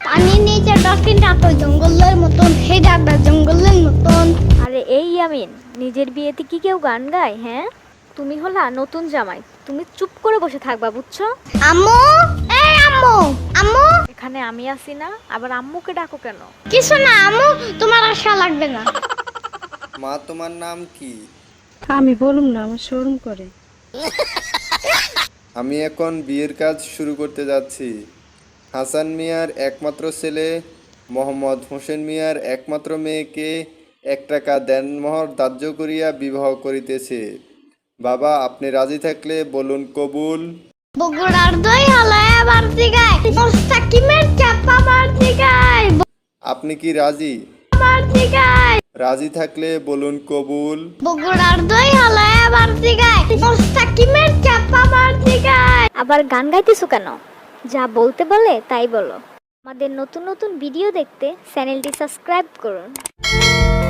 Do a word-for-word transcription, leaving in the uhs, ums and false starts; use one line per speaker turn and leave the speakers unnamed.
পানির নিচে ডলফিনটা তো জঙ্গলের মতন, হেডাটা জঙ্গলের মতন।
আরে এই ইয়ামিন, নিজের বিয়েতে কি কেউ গান গায়? হ্যাঁ, তুমি হলা নতুন জামাই, তুমি চুপ করে বসে থাকবা, বুঝছো?
আম্মু, এই আম্মু, আম্মু।
এখানে আমি আছি না, আবার আম্মুকে ডাকো কেন?
কিছু না আম্মু, তোমার আশা লাগবে না।
মা, তোমার নাম কি?
আমি বলুম না, আমার শরম করে।
আমি এখন বিয়ের কাজ শুরু করতে যাচ্ছি। হাসান মিয়ার একমাত্র ছেলে মোহাম্মদ হোসেন মিয়ার একমাত্র মেয়েকে এক টাকা দেনমোহর ধার্য করিয়া বিবাহ করিতেছে। বাবা, আপনি রাজি থাকলে বলুন কবুল।
বগুড়ার দই হালায় বাড়তি গায়, মোস্তাকিমের চাপা বাড়তি গায়,
আপনি কি রাজি?
বাড়তি গায়।
রাজি থাকলে বলুন কবুল।
বগুড়ার দই হালায় বাড়তি গায়, মোস্তাকিমের চাপা বাড়তি গায়।
আবার গান গাইতেছো কেন? যা বলতে বলে তাই বলো। আমাদের নতুন নতুন ভিডিও দেখতে চ্যানেলটি সাবস্ক্রাইব করুন।